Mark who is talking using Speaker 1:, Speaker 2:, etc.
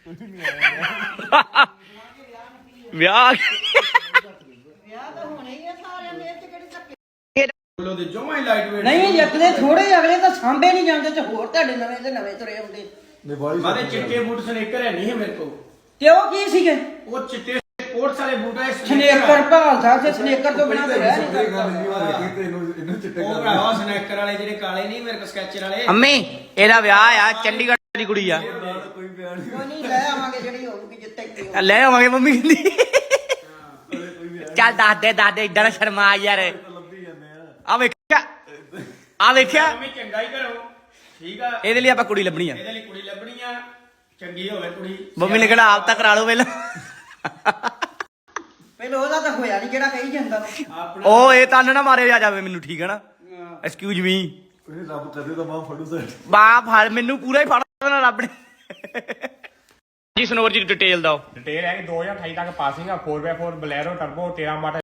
Speaker 1: ਵਿਆਹ
Speaker 2: ਨਹੀਂ ਅਗਲੇ ਥੋੜੇ ਅਗਲੇ ਤਾਂ ਸਾਂਭੇ ਨਹੀਂ ਜਾਂਦੇ ਤੇ ਹੋਰ ਤੁਹਾਡੇ ਨਵੇਂ ਤੇ ਨਵੇਂ ਤੁਰੇ ਆਉਂਦੇ।
Speaker 3: ਮਾਰੇ ਚਿੱਟੇ ਬੂਟ ਸਨੇਕਰ ਹੈ ਨਹੀਂ ਮੇਰੇ ਕੋਲ।
Speaker 2: ਤੇ ਉਹ ਕੀ ਸੀਗੇ?
Speaker 3: ਉਹ ਚਿੱਟੇ ਸਪੋਰਟਸ ਵਾਲੇ ਬੂਟ ਹੈ
Speaker 2: ਸਨੇਕਰ ਭਾਲ ਸਾਹਿਬ ਤੇ ਸਨੇਕਰ ਤੋਂ ਬਿਨਾਂ ਤੇ ਰਹਿ ਨਹੀਂ ਸਕਦਾ।
Speaker 3: ਉਹ ਭਰਾਵਾ ਸਨੇਕਰ ਵਾਲੇ ਜਿਹੜੇ ਕਾਲੇ ਨਹੀਂ ਮੇਰੇ ਕੋਲ ਸਕੈਚਰ ਵਾਲੇ।
Speaker 1: ਅੰਮੀ ਇਹਦਾ ਵਿਆਹ ਆ ਚੰਡੀਗੜ੍ਹ ਦੀ ਕੁੜੀ ਆ।
Speaker 2: ਕੋਈ ਨਹੀਂ ਲੈ ਆਵਾਂਗੇ ਜਿਹੜੀ ਹੋਊਗੀ ਜਿੱਤੇ
Speaker 1: ਲੈ ਆਵਾਂਗੇ ਮੰਮੀ ਕਹਿੰਦੀ। ਚੱਲ ਦੱਸ ਦੇ ਇਦਾਂ ਨਾ ਸ਼ਰਮਾ ਯਾਰ। ਆ ਵੇਖਿਆ
Speaker 3: ਮੰਮੀ ਚੰਗਾ ਹੀ ਕਰੋ ਠੀਕ ਆ।
Speaker 1: ਇਹਦੇ ਲਈ ਆਪਾਂ ਕੁੜੀ ਲੱਭਣੀ ਆ।
Speaker 3: ਇਹਦੇ ਲਈ ਕੁੜੀ ਲੱਭਣੀ ਆ ਚੰਗੀ ਹੋਵੇ ਕੁੜੀ।
Speaker 1: ਮੰਮੀ ਨੇ ਕਿਹੜਾ ਆਪ ਤਾਂ ਕਰਾ ਲਓ ਪਹਿਲਾਂ।
Speaker 2: ਪਹਿਲਾਂ ਉਹਦਾ ਤਾਂ ਹੋਇਆ ਨਹੀਂ ਜਿਹੜਾ ਕਹੀ ਜਾਂਦਾ ਨੂੰ।
Speaker 1: ਉਹ ਇਹ ਤਨ ਨਾ ਮਾਰੇ ਆ ਜਾਵੇ ਮੈਨੂੰ ਠੀਕ ਹੈ ਨਾ। Excuse me.
Speaker 4: ਰੱਬ ਕਰੇ ਤਾਂ ਮਾਂ ਫੜੂ ਸਰ।
Speaker 1: ਬਾਹ ਫੜ ਮੈਨੂੰ ਪੂਰਾ ਹੀ ਫੜ ਦੇਣਾ ਰੱਬ ਨੇ। ਜੀ ਸਨੋਰ ਜੀ ਡਿਟੇਲ ਦਿਓ।
Speaker 5: ਡਿਟੇਲ ਹੈ ਕਿ 2028 ਤੱਕ ਪਾਸਿੰਗ ਆ 4x4 ਬਲੈਰੋ ਟਰਬੋ 13 ਮਾਡਲ